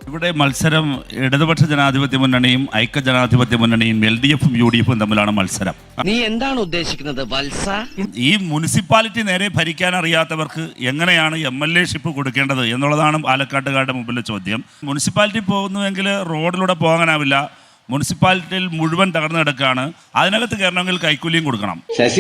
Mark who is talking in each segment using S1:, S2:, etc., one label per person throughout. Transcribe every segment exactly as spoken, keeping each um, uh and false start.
S1: ഇവിടെ മത്സരം ഇടതുപക്ഷ ജനാധിപത്യ മുന്നണിയും ഐക്യ ജനാധിപത്യ മുന്നണിയും എൽ ഡി എഫും യു ഡി എഫും തമ്മിലാണ് മത്സരം.
S2: നീ എന്താണ് ഉദ്ദേശിക്കുന്നത് വത്സ?
S1: ഈ മുനിസിപ്പാലിറ്റി നേരെ ഭരിക്കാൻ അറിയാത്തവർക്ക് എങ്ങനെയാണ് എം എൽ എ ഷിപ്പ് കൊടുക്കേണ്ടത് എന്നുള്ളതാണ് പാലക്കാട്ടുകാരുടെ മുമ്പിലെ ചോദ്യം. മുനിസിപ്പാലിറ്റി പോകുന്നുവെങ്കിൽ റോഡിലൂടെ പോകാനാവില്ല. മുനിസിപ്പാലിറ്റിയിൽ മുഴുവൻ തകർന്നു കിടക്കുകയാണ്. അതിനകത്ത് കയറണമെങ്കിൽ കൈക്കൂലിയും കൊടുക്കണം.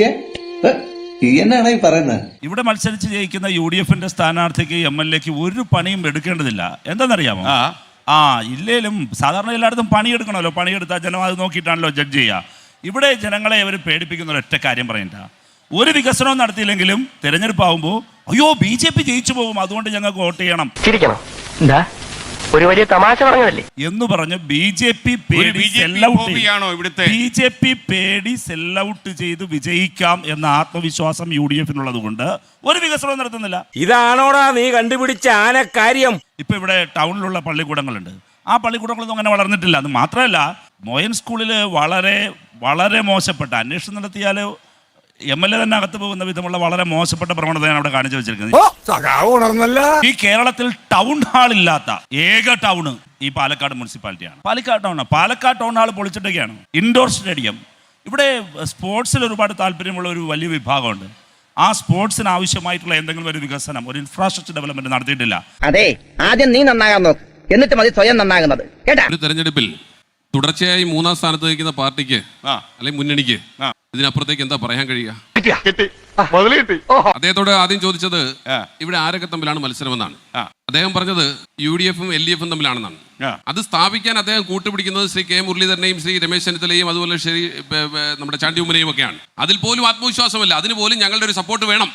S1: ഇവിടെ മത്സരിച്ച് ജയിക്കുന്ന യു ഡി എഫിന്റെ സ്ഥാനാർത്ഥിക്ക് എം എൽ എക്ക് ഒരു പണിയും എടുക്കേണ്ടതില്ല. എന്താണെന്നറിയാമോ? ആ ഇല്ലേലും സാധാരണ എല്ലായിടത്തും പണിയെടുക്കണമല്ലോ. പണിയെടുത്താൽ ജനം അത് നോക്കിയിട്ടാണല്ലോ ജഡ്ജ് ചെയ്യുക. ഇവിടെ ജനങ്ങളെ അവർ പേടിപ്പിക്കുന്ന ഒരൊറ്റ കാര്യം പറയണ്ട. ഒരു വികസനവും നടത്തിയില്ലെങ്കിലും തെരഞ്ഞെടുപ്പാകുമ്പോൾ അയ്യോ ബി ജെ പി ജയിച്ചു പോകും, അതുകൊണ്ട് ഞങ്ങൾക്ക് വോട്ട് ചെയ്യണം
S3: ഒരു വലിയ തമാശ പറഞ്ഞതല്ലേ
S1: എന്ന് പറഞ്ഞ് ബി ജെ പി പേടി ബി ജെ പി പേടി സെല്ലൗട്ട് ചെയ്ത് വിജയിക്കാം എന്ന ആത്മവിശ്വാസം യു ഡി എഫിനുള്ളത് കൊണ്ട് ഒരു വികസനവും നടത്തുന്നില്ല.
S4: ഇതാണോടാ നീ കണ്ടുപിടിച്ച ആനക്കാര്യം?
S1: ഇപ്പൊ ഇവിടെ ടൗണിലുള്ള പള്ളിക്കൂടങ്ങളുണ്ട്. ആ പള്ളിക്കൂടങ്ങളൊന്നും അങ്ങനെ വളർന്നിട്ടില്ല. അത് മാത്രമല്ല, മോയൻ സ്കൂളിൽ വളരെ വളരെ മോശപ്പെട്ട അന്വേഷണം നടത്തിയാൽ എം എൽ എ തന്നെ അകത്ത് പോകുന്ന വിധമുള്ള വളരെ മോശപ്പെട്ട പ്രവണതയാണ് അവിടെ കാണിച്ചു വെച്ചിരിക്കുന്നത്. ഈ കേരളത്തിൽ ടൗൺ ഹാൾ ഇല്ലാത്ത ഏക ടൗണ് ഈ പാലക്കാട് മുനിസിപ്പാലിറ്റിയാണ്. Palakkad town Palakkad town hall പൊളിച്ചിട്ടൊക്കെയാണ്. Indoor stadium. ഇവിടെ സ്പോർട്സിൽ ഒരുപാട് താല്പര്യമുള്ള ഒരു വലിയ വിഭാഗമുണ്ട്. ആ സ്പോർട്സിന് ആവശ്യമായിട്ടുള്ള എന്തെങ്കിലും ഒരു വികസനം, ഒരു ഇൻഫ്രാസ്ട്രക്ചർ ഡെവലപ്മെന്റ് നടത്തിയിട്ടില്ല.
S2: അതെ, ആദ്യം നീ നന്നാകാൻ നോക്ക്, എന്നിട്ട് മതി സ്വയം നന്നാകുന്നത്.
S5: ഒരു തെരഞ്ഞെടുപ്പിൽ തുടർച്ചയായി മൂന്നാം സ്ഥാനത്ത് നിൽക്കുന്ന പാർട്ടിക്ക് അല്ലെങ്കിൽ മുന്നണിക്ക് ഇതിനപ്പുറത്തേക്ക് എന്താ പറയാൻ കഴിയുക? അദ്ദേഹത്തോട് ആദ്യം ചോദിച്ചത് ഇവിടെ ആരൊക്കെ തമ്മിലാണ് മത്സരമെന്നാണ്. അദ്ദേഹം പറഞ്ഞത് യു ഡി എഫും എൽ ഡി എഫും തമ്മിലാണെന്നാണ്. അത് സ്ഥാപിക്കാൻ അദ്ദേഹം കൂട്ടുപിടിക്കുന്നത് ശ്രീ കെ മുരളീധരനെയും ശ്രീ രമേശ് ചെന്നിത്തലയും അതുപോലെ ശ്രീ നമ്മുടെ ചാണ്ടി ഉമ്മനെയും ഒക്കെയാണ്. അതിൽ പോലും ആത്മവിശ്വാസമല്ല. അതിന് പോലും ഞങ്ങളുടെ ഒരു സപ്പോർട്ട് വേണം.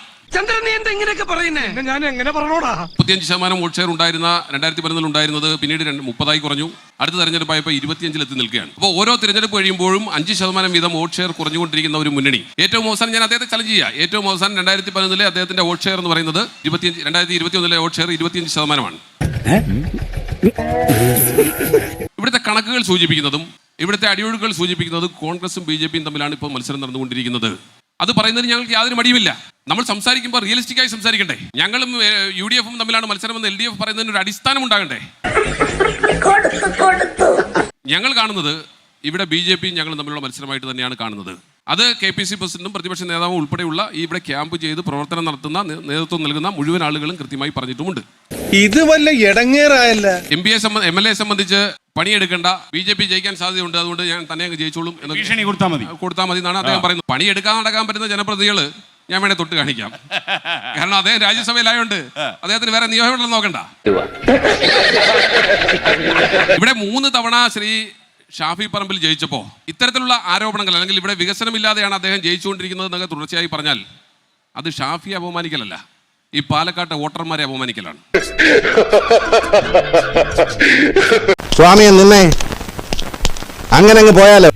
S5: മുപ്പത്തിയഞ്ച് ശതമാനം വോട്ട് ഷെയർ ഉണ്ടായിരുന്ന രണ്ടായിരത്തി പതിനൊന്നിൽ ഉണ്ടായിരുന്നത് പിന്നീട് മുപ്പതായി കുറഞ്ഞു. അടുത്ത തെരഞ്ഞെടുപ്പായപ്പോൾ ഇരുപത്തിയഞ്ചിൽ എത്തി നിൽക്കുകയാണ്. അപ്പോൾ ഓരോ തെരഞ്ഞെടുപ്പ് കഴിയുമ്പോഴും അഞ്ച് ശതമാനം വീതം വോട്ട് ഷെയർ കുറഞ്ഞുകൊണ്ടിരിക്കുന്ന ഒരു മുന്നണി. ഏറ്റവും അവസാനം ഞാൻ അദ്ദേഹത്തെ ചലഞ്ച് ചെയ്യാം. ഏറ്റവും അവസാനം രണ്ടായിരത്തി പതിനൊന്നിലെ അദ്ദേഹത്തിന്റെ വോട്ട് ഷെയർ എന്ന് പറയുന്നത് ഇരുപത്തിയഞ്ച് രണ്ടായിരത്തി ഇരുപത്തി ഒന്നിലെ വോട്ട് ഷെയർ ഇരുപത്തിയഞ്ച് ശതമാനമാണ്. ഇവിടുത്തെ കണക്കുകൾ സൂചിപ്പിക്കുന്നതും ഇവിടുത്തെ അടിയൊഴുക്കുകൾ സൂചിപ്പിക്കുന്നതും കോൺഗ്രസും ബി ജെ പിയും തമ്മിലാണ് ഇപ്പോൾ മത്സരം നടന്നുകൊണ്ടിരിക്കുന്നത്. അത് പറയുന്നതിന് ഞങ്ങൾക്ക് യാതൊരു മടിയുമില്ല. നമ്മൾ സംസാരിക്കുമ്പോൾ റിയലിസ്റ്റിക് ആയി സംസാരിക്കണ്ടേ? ഞങ്ങളും യു ഡി എഫും തമ്മിലാണ് മത്സരമെന്ന് എൽ ഡി എഫ് പറയുന്നതിന് ഒരു അടിസ്ഥാനം ഉണ്ടാകണ്ടേ? ഞങ്ങൾ കാണുന്നത് ഇവിടെ ബി ജെ പിയും ഞങ്ങളും തമ്മിലുള്ള മത്സരമായിട്ട് തന്നെയാണ് കാണുന്നത്. അത് കെ പി സി പ്രസിഡന്റും പ്രതിപക്ഷ നേതാവും ഉൾപ്പെടെയുള്ള ഈ ഇവിടെ ക്യാമ്പ് ചെയ്ത് പ്രവർത്തനം നടത്തുന്ന നേതൃത്വം നൽകുന്ന മുഴുവൻ ആളുകളും കൃത്യമായി പറഞ്ഞിട്ടുമുണ്ട്.
S4: ഇത് വല്ല ഇടങ്ങേറായല്ല.
S5: M P A M L A സംബന്ധിച്ച് പണിയെടുക്കേണ്ട, ബി ജെ പി ജയിക്കാൻ സാധ്യതയുണ്ട്, അതുകൊണ്ട് ഞാൻ തന്നെ അങ്ങ് ജയിച്ചോളും എന്ന് ഭീഷണി കൊടുത്താൽ മതി കൊടുത്താൽ മതി എന്നാണ് അദ്ദേഹം പറയുന്നത്. പണിയെടുക്കാൻ നടക്കാൻ പറ്റുന്ന ജനപ്രതിനിധികൾ ഞാൻ വേണേ തൊട്ട് കാണിക്കാം. കാരണം അദ്ദേഹം രാജ്യസഭയിലായോണ്ട് അദ്ദേഹത്തിന് വേറെ നിയമങ്ങളൊന്നും നോക്കണ്ട. ഇവിടെ മൂന്ന് തവണ ശ്രീ ഷാഫി പറമ്പിൽ ജയിച്ചപ്പോൾ ഇത്തരത്തിലുള്ള ആരോപണങ്ങൾ അല്ലെങ്കിൽ ഇവിടെ വികസനമില്ലാതെയാണ് അദ്ദേഹം ജയിച്ചുകൊണ്ടിരിക്കുന്നത് എന്നൊക്കെ തുടർച്ചയായി പറഞ്ഞാൽ അത് ഷാഫി അപമാനിക്കലല്ല, ഈ പാലക്കാട്ടെ വോട്ടർമാരെ അപമാനിക്കലാണ്.
S6: സ്വാമിയെ നിന്നെ അങ്ങനെ അങ്ങ് പോയാലോ.